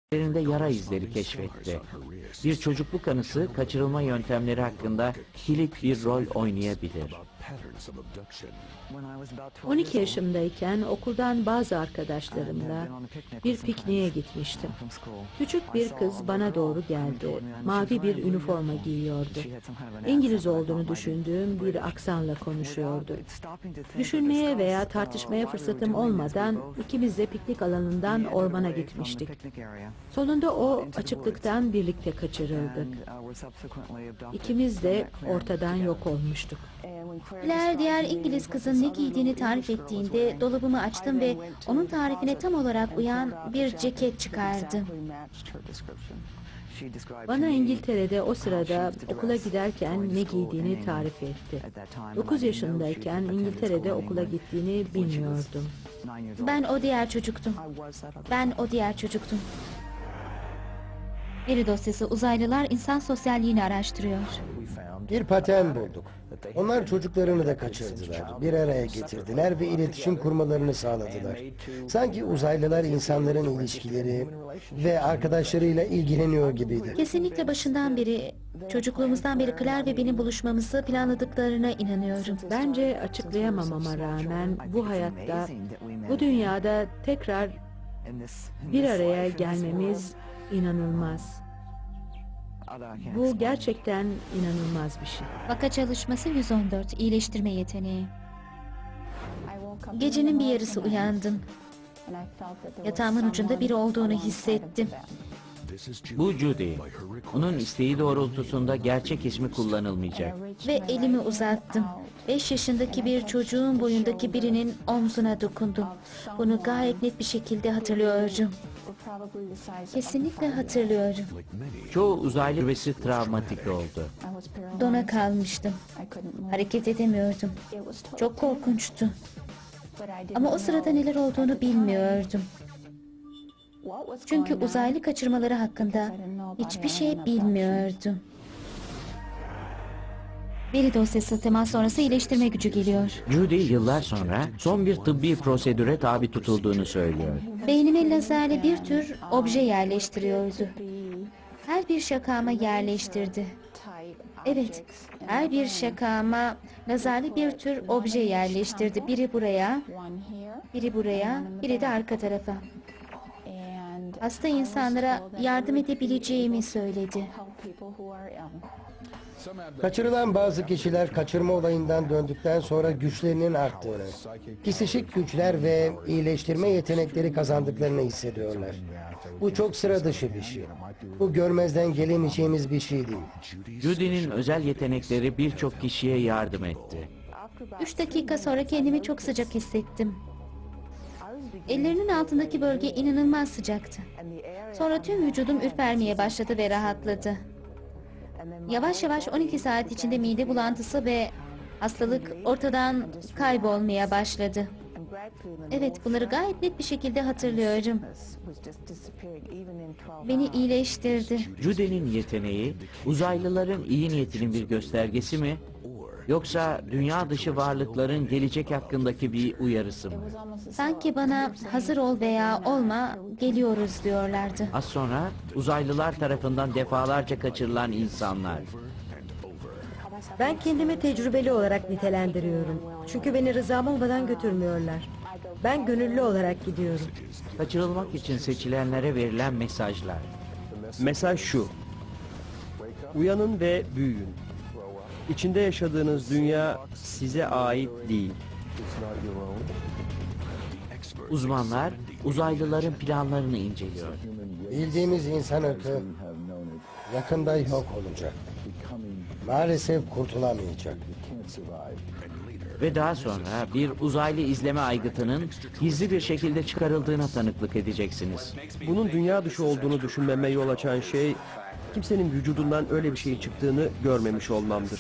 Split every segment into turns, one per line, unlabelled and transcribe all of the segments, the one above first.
üzerinde yara izleri keşfetti. Bir çocukluk anısı kaçırılma yöntemleri hakkında kilit bir rol oynayabilir.
12 yaşımdayken okuldan bazı arkadaşlarımla bir pikniğe gitmiştim. Küçük bir kız bana doğru geldi. Mavi bir üniforma giyiyordu. İngiliz olduğunu düşündüğüm bir aksanla konuşuyordu. Düşünmeye veya tartışmaya fırsatım olmadan ikimiz de piknik alanından ormana gitmiştik. Sonunda o açıklıktan birlikte kaçırıldık. İkimiz de ortadan yok olmuştuk.
Claire diğer İngiliz kızın ne giydiğini tarif ettiğinde dolabımı açtım ve onun tarifine tam olarak uyan bir ceket çıkardı.
Bana İngiltere'de o sırada okula giderken ne giydiğini tarif etti. 9 yaşındayken İngiltere'de okula gittiğini bilmiyordum.
Ben o diğer çocuktum. Veri dosyası uzaylılar insan sosyalliğini araştırıyor.
Bir patern bulduk. Onlar çocuklarını da kaçırdılar, bir araya getirdiler ve iletişim kurmalarını sağladılar. Sanki uzaylılar insanların ilişkileri ve arkadaşlarıyla ilgileniyor gibiydi.
Kesinlikle başından beri, çocukluğumuzdan beri Claire ve benim buluşmamızı planladıklarına inanıyorum.
Bence açıklayamamama rağmen bu hayatta, bu dünyada tekrar bir araya gelmemiz inanılmaz. Bu gerçekten inanılmaz bir şey.
Vaka çalışması 114, iyileştirme yeteneği. Gecenin bir yarısı uyandım. Yatağımın ucunda biri olduğunu hissettim.
Bu Judy. Onun isteği doğrultusunda gerçek ismi kullanılmayacak.
Ve elimi uzattım. 5 yaşındaki bir çocuğun boyundaki birinin omzuna dokundum. Bunu gayet net bir şekilde hatırlıyorum. Kesinlikle hatırlıyorum.
Çoğu uzaylı üvesi travmatik oldu.
Dona kalmıştım. Hareket edemiyordum. Çok korkunçtu. Ama o sırada neler olduğunu bilmiyordum. Çünkü uzaylı kaçırmaları hakkında hiçbir şey bilmiyordum. Veri dosyası temas sonrası iyileştirme gücü geliyor.
Judy yıllar sonra son bir tıbbi prosedüre tabi tutulduğunu söylüyor.
Beynime lazerle bir tür obje yerleştiriyordu. Her bir şakama yerleştirdi. Evet, her bir şakama lazerli bir tür obje yerleştirdi. Biri buraya, biri buraya, biri de arka tarafa. Hasta insanlara yardım edebileceğimi söyledi.
Kaçırılan bazı kişiler kaçırma olayından döndükten sonra güçlerinin arttığını, psikik güçler ve iyileştirme yetenekleri kazandıklarını hissediyorlar. Bu çok sıra dışı bir şey. Bu görmezden gelemeyeceğimiz bir şey değil.
Judy'nin özel yetenekleri birçok kişiye yardım etti.
3 dakika sonra kendimi çok sıcak hissettim. Ellerinin altındaki bölge inanılmaz sıcaktı. Sonra tüm vücudum ürpermeye başladı ve rahatladı. Yavaş yavaş 12 saat içinde mide bulantısı ve hastalık ortadan kaybolmaya başladı. Evet, bunları gayet net bir şekilde hatırlıyorum. Beni iyileştirdi.
Judy'nin yeteneği uzaylıların iyi niyetinin bir göstergesi mi? Yoksa dünya dışı varlıkların gelecek hakkındaki bir uyarısı mı?
Sanki bana hazır ol veya olma, geliyoruz diyorlardı.
Az sonra uzaylılar tarafından defalarca kaçırılan insanlar.
Ben kendimi tecrübeli olarak nitelendiriyorum. Çünkü beni rızam olmadan götürmüyorlar. Ben gönüllü olarak gidiyorum.
Kaçırılmak için seçilenlere verilen mesajlar.
Mesaj şu: uyanın ve büyüyün. İçinde yaşadığınız dünya size ait değil.
Uzmanlar uzaylıların planlarını inceliyor.
Bildiğimiz insan ırkı yakında yok olacak. Maalesef kurtulamayacak.
Ve daha sonra bir uzaylı izleme aygıtının gizli bir şekilde çıkarıldığına tanıklık edeceksiniz.
Bunun dünya dışı olduğunu düşünmeme yol açan şey, kimsenin vücudundan öyle bir şey çıktığını görmemiş olmamdır.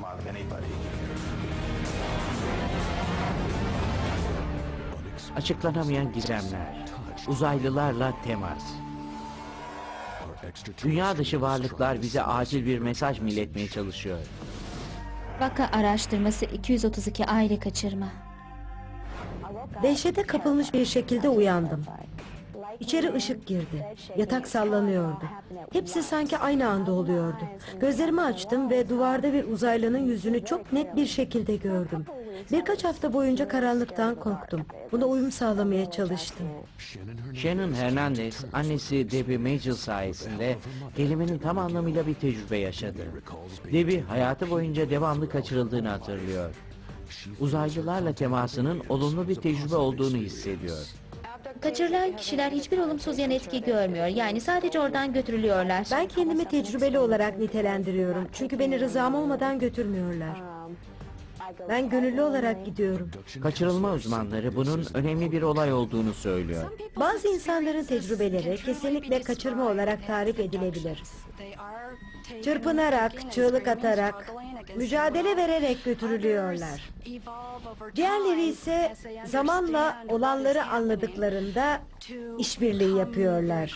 Açıklanamayan gizemler, uzaylılarla temas. Dünya dışı varlıklar bize acil bir mesaj mı iletmeye çalışıyor?
Vaka araştırması 232 aile kaçırma.
Dehşete kapılmış bir şekilde uyandım. İçeri ışık girdi. Yatak sallanıyordu. Hepsi sanki aynı anda oluyordu. Gözlerimi açtım ve duvarda bir uzaylının yüzünü çok net bir şekilde gördüm. Birkaç hafta boyunca karanlıktan korktum. Buna uyum sağlamaya çalıştım.
Shannon Hernandez, annesi Debbie Major sayesinde kelimenin tam anlamıyla bir tecrübe yaşadı. Debbie hayatı boyunca devamlı kaçırıldığını hatırlıyor. Uzaylılarla temasının olumlu bir tecrübe olduğunu hissediyor.
Kaçırılan kişiler hiçbir olumsuz yan etki görmüyor. Yani sadece oradan götürülüyorlar.
Ben kendimi tecrübeli olarak nitelendiriyorum. Çünkü beni rızam olmadan götürmüyorlar. Ben gönüllü olarak gidiyorum.
Kaçırılma uzmanları bunun önemli bir olay olduğunu söylüyor.
Bazı insanların tecrübeleri kesinlikle kaçırma olarak tarif edilebilir. Çırpınarak, çığlık atarak, mücadele vererek götürülüyorlar. Diğerleri ise zamanla olanları anladıklarında işbirliği yapıyorlar.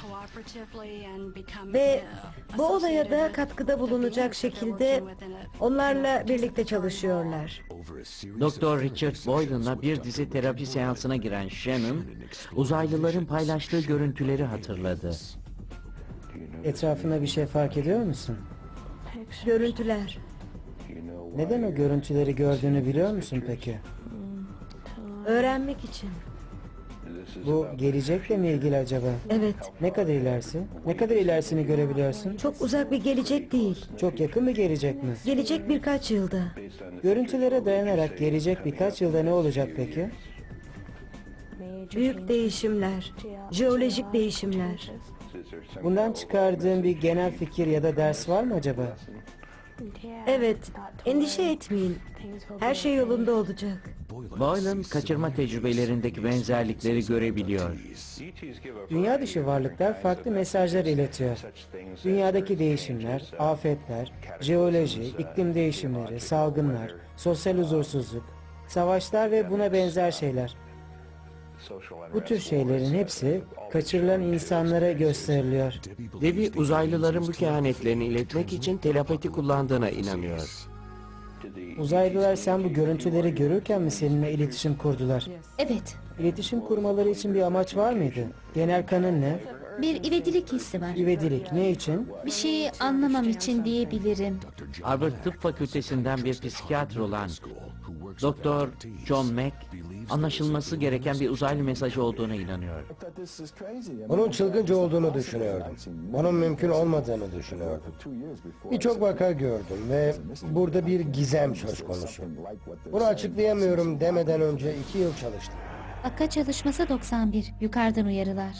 Ve bu olaya da katkıda bulunacak şekilde onlarla birlikte çalışıyorlar.
Dr. Richard Boylan'la bir dizi terapi seansına giren Shannon, uzaylıların paylaştığı görüntüleri hatırladı.
Etrafında bir şey fark ediyor musun?
Görüntüler.
Neden o görüntüleri gördüğünü biliyor musun peki?
Öğrenmek için.
Bu gelecekle mi ilgili acaba?
Evet.
Ne kadar ilerisi? Ne kadar ilerisini görebiliyorsun?
Çok uzak bir gelecek değil.
Çok yakın bir gelecek mi?
Gelecek birkaç yılda.
Görüntülere dayanarak gelecek birkaç yılda ne olacak peki?
Büyük değişimler, jeolojik değişimler.
Bundan çıkardığın bir genel fikir ya da ders var mı acaba?
Evet, endişe etmeyin. Her şey yolunda olacak.
Boylan, kaçırma tecrübelerindeki benzerlikleri görebiliyor.
Dünya dışı varlıklar farklı mesajlar iletiyor. Dünyadaki değişimler, afetler, jeoloji, iklim değişimleri, salgınlar, sosyal huzursuzluk, savaşlar ve buna benzer şeyler. Bu tür şeylerin hepsi kaçırılan insanlara gösteriliyor.
Debbie uzaylıların bu kehanetlerini iletmek için telepati kullandığına inanıyor.
Uzaylılar sen bu görüntüleri görürken mi seninle iletişim kurdular?
Evet,
İletişim kurmaları için bir amaç var mıydı? Genel kanın ne?
bir ivedilik hissi var.
İvedilik ne için?
Bir şeyi anlamam için diyebilirim.
Harvard Tıp Fakültesinden bir psikiyatr olan Dr. John Mack, anlaşılması gereken bir uzaylı mesajı olduğuna inanıyor.
Bunun çılgınca olduğunu düşünüyordum. Bunun mümkün olmadığını düşünüyordum. Birçok vaka gördüm ve burada bir gizem söz konusu. Bunu açıklayamıyorum demeden önce 2 yıl çalıştım.
Vaka çalışması 91. Yukarıdan uyarılar.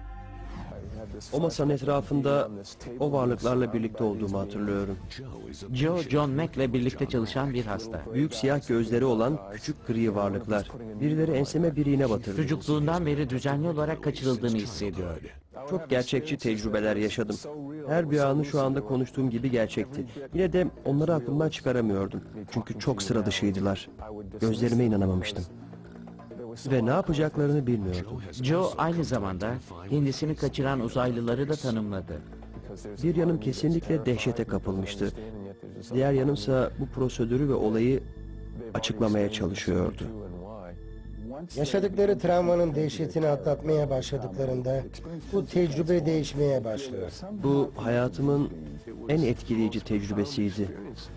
O masanın etrafında o varlıklarla birlikte olduğumu hatırlıyorum.
Joe, John Mack'le birlikte çalışan bir hasta.
Büyük siyah gözleri olan küçük gri varlıklar. Birileri enseme bir iğne batırdı.
Çocukluğundan beri düzenli olarak kaçırıldığını hissediyor.
Çok gerçekçi tecrübeler yaşadım. Her bir anı şu anda konuştuğum gibi gerçekti. Yine de onları aklımdan çıkaramıyordum. Çünkü çok sıra dışıydılar. Gözlerime inanamamıştım. Ve ne yapacaklarını bilmiyordum.
Joe aynı zamanda kendisini kaçıran uzaylıları da tanımladı.
Bir yanım kesinlikle dehşete kapılmıştı. Diğer yanımsa bu prosedürü ve olayı açıklamaya çalışıyordu.
Yaşadıkları travmanın dehşetini atlatmaya başladıklarında bu tecrübe değişmeye başlıyor.
Bu hayatımın en etkileyici tecrübesiydi.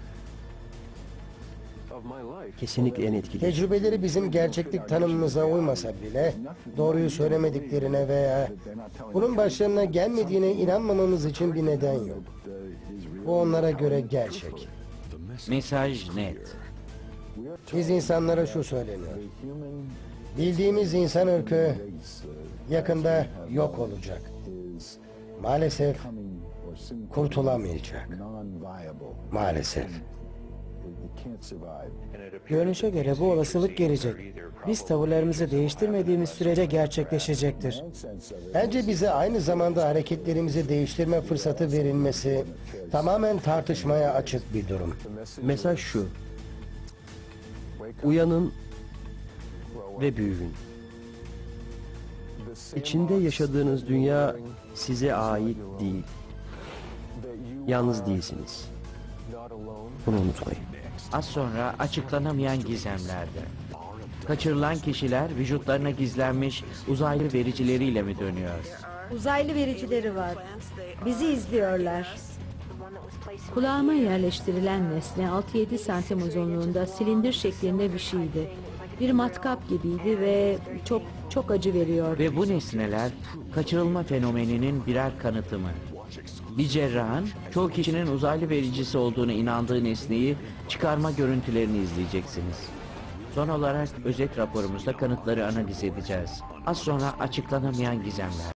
Kesinlikle en etkileyici.
Tecrübeleri bizim gerçeklik tanımımıza uymasa bile doğruyu söylemediklerine veya bunun başlarına gelmediğine inanmamamız için bir neden yok. Bu onlara göre gerçek.
Mesaj net.
Biz insanlara şu söyleniyor. Bildiğimiz insan ırkı yakında yok olacak. Maalesef kurtulamayacak. Maalesef.
Görünüşe göre bu olasılık gelecek. Biz tavırlarımızı değiştirmediğimiz sürece gerçekleşecektir.
Bence bize aynı zamanda hareketlerimizi değiştirme fırsatı verilmesi tamamen tartışmaya açık bir durum.
Mesaj şu. Uyanın ve büyüyün. İçinde yaşadığınız dünya size ait değil. Yalnız değilsiniz. Bunu unutmayın.
Az sonra açıklanamayan gizemlerde. Kaçırılan kişiler vücutlarına gizlenmiş uzaylı vericileriyle mi dönüyor?
Uzaylı vericileri var. Bizi izliyorlar.
Kulağıma yerleştirilen nesne 6-7 santim uzunluğunda silindir şeklinde bir şeydi. Bir matkap gibiydi ve çok acı veriyordu.
Ve bu nesneler kaçırılma fenomeninin birer kanıtı mı? Bir cerrahın çoğu kişinin uzaylı vericisi olduğunu inandığı nesneyi çıkarma görüntülerini izleyeceksiniz. Son olarak özet raporumuzda kanıtları analiz edeceğiz. Az sonra açıklanamayan gizemler.